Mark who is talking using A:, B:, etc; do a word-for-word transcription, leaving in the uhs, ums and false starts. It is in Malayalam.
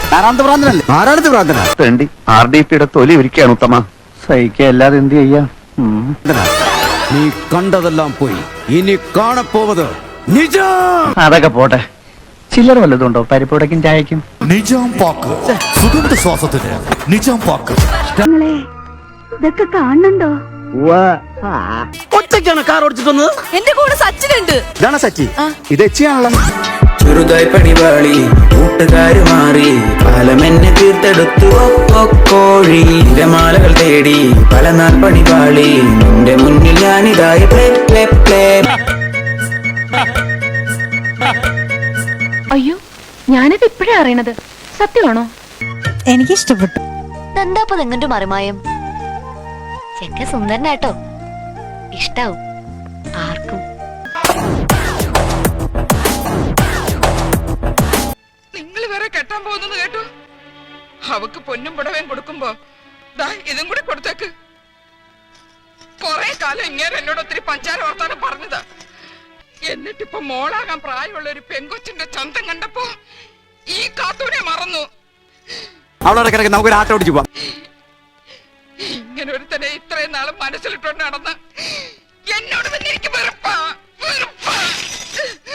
A: നാരായണത്ത് ഭ്രാന്തനല്ലേ? നാരായണത്ത് ഭ്രാന്തനാ.
B: വേണ്ടി ആർ ഡി പിയുടെ തൊലി ഒരുക്കുകയാണ് ഉത്തമ. സഹിക്കുക അല്ലാതെ എന്ത് ചെയ്യാ?
A: നീ കണ്ടതെല്ലാം പോയി, ഇനി കാണപ്പോവത് നിജം.
B: അതൊക്കെ പോട്ടെ. ചില്ലറ വല്ലതുണ്ടോ പരിപ്പുടക്കും ചായക്കും?
C: നിജാം പാക്ക് സുഗന്ധ ശ്വാസത്തിന് നിജാം പാക്ക്.
D: ഇതൊക്കെ കാണുന്നുണ്ടോ?
A: ഒറ്റയ്ക്കാണ് കാർ ഓടിച്ചിട്ട് വന്നത്.
E: എന്റെ കൂടെ സച്ചിനുണ്ട്.
A: ഇതാണ് സച്ചി. ഇത് എച്ചിയാണല്ലോ.
F: ചെറുതായി പണിവാളി കൂട്ടുകാര് മാറി കാലമെന്നെ തീർത്തെടുത്തു കോഴി മാലകൾ തേടി പല നാൾ പണിവാളി നിന്റെ മുന്നിൽ ഞാനിതായി പ്ലേ പ്ലേ പ്ലേ.
D: അയ്യോ, ഞാനത് ഇപ്പോഴാ അറിയണത്. സത്യമാണോ?
E: എനിക്കിഷ്ടപ്പെട്ടു.
G: എന്താപ്പ നിങ്ങന്റെ മറിമായം? ചെക്ക സുന്ദരനാട്ടോ, ഇഷ്ടാവും ആർക്കും.
H: നിങ്ങൾ വേറെ കെട്ടാൻ പോകുന്നു കേട്ടു. അവക്ക് പൊന്നും പുടവേം കൊടുക്കുമ്പോ ദാ ഇതും കൂടി കൊടുത്തേക്ക്. കൊറേ കാലം ഇങ്ങനെ എന്നോട് ഒത്തിരി പഞ്ചാര വർത്താനം പറഞ്ഞതാ. എന്നിട്ടിപ്പൊ മോളാകാൻ പ്രായമുള്ള ഒരു പെങ്കൊച്ചിന്റെ ചന്തം കണ്ടപ്പോ ഈ കാത്തൂനെ മറന്നു.
A: അവളോടെ കിടക്ക്, നമുക്കൊരു ആട്ടം ഓടിച്ചു പോവാം.
H: ഇങ്ങനെ ഒരുത്തനെ ഇത്രയും നാളും മനസ്സിലിട്ടോണ്ട് നടന്ന്